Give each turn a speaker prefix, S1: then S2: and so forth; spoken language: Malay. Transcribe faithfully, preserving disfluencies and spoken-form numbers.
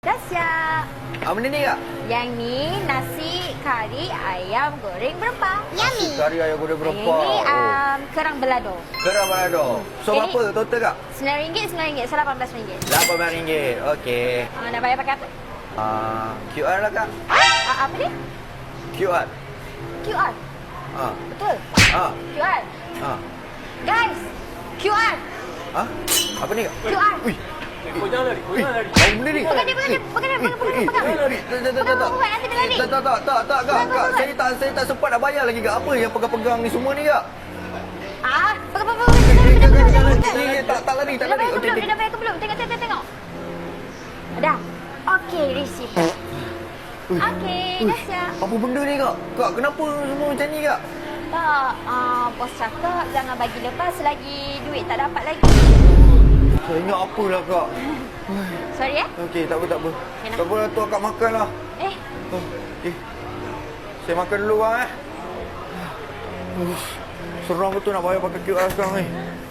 S1: Dah siap.
S2: Ah, benda ni kak?
S1: Yang ni nasi kari ayam goreng berempah.
S2: Nasi kari ayam goreng berempah.
S1: Yang ni
S2: Oh.
S1: um, kerang belado.
S2: Kerang balado. So,
S1: Jadi-
S2: berapa total kak?
S1: Sembilan ringgit, sembilan ringgit. So, lapan belas ringgit.
S2: lapan belas ringgit. Okey.
S1: Uh, nak bayar pakai apa?
S2: Ah, Q R lah kak.
S1: Uh, apa ni?
S2: Q R.
S1: Q R.
S2: Ah.
S1: Betul.
S2: Ah.
S1: Q R.
S2: Ah.
S1: Guys, Q R.
S2: Ah. Apa ni kak?
S1: Q R.
S2: Ui.
S3: Kau jangan lari, kau jangan lari.
S2: Apa benda ni?
S1: Pegang dia, pegang dia, pegang dia, pegang, pegang, pegang.
S2: Tak, tak, tak, tak, tak.
S1: Pegang, pegang, nanti dia lari.
S2: Tak, tak, tak, tak, tak, kak.
S1: Pegang,
S2: Kak,
S1: pegang.
S2: saya tak, saya tak sempat nak bayar lagi kak. Apa yang pegang-pegang ni semua ni kak?
S1: Ah, pegang, pegang, pegang. Dia dah, dia dah, dia dah, dia dah, dia dah.
S2: Eh, tak, tak lari,
S1: Dia
S2: tak
S1: dah
S2: lari.
S1: bayar ke
S2: Okey,
S1: belum?
S2: okey.
S1: Dia dah bayar ke belum? Tengok, tengok, tengok. Dah. Okey, receipt.
S2: Ui.
S1: Okey,
S2: Ui.
S1: dah siap.
S2: Apa benda ni kak? Kak, kenapa semua macam ni kak?
S1: Tak, uh, bos cakap jangan bagi lepas selagi duit tak dapat lagi.
S2: Saya ingat apalah kak.
S1: Sorry eh.
S2: Okey, tak apa, tak apa.
S1: Okey, nak.
S2: Tak apa, tu akak makan lah.
S1: Eh,
S2: Oh, okey. Saya makan dulu lah eh. Uh, seram betul nak bayar pakai Q R sekarang ni.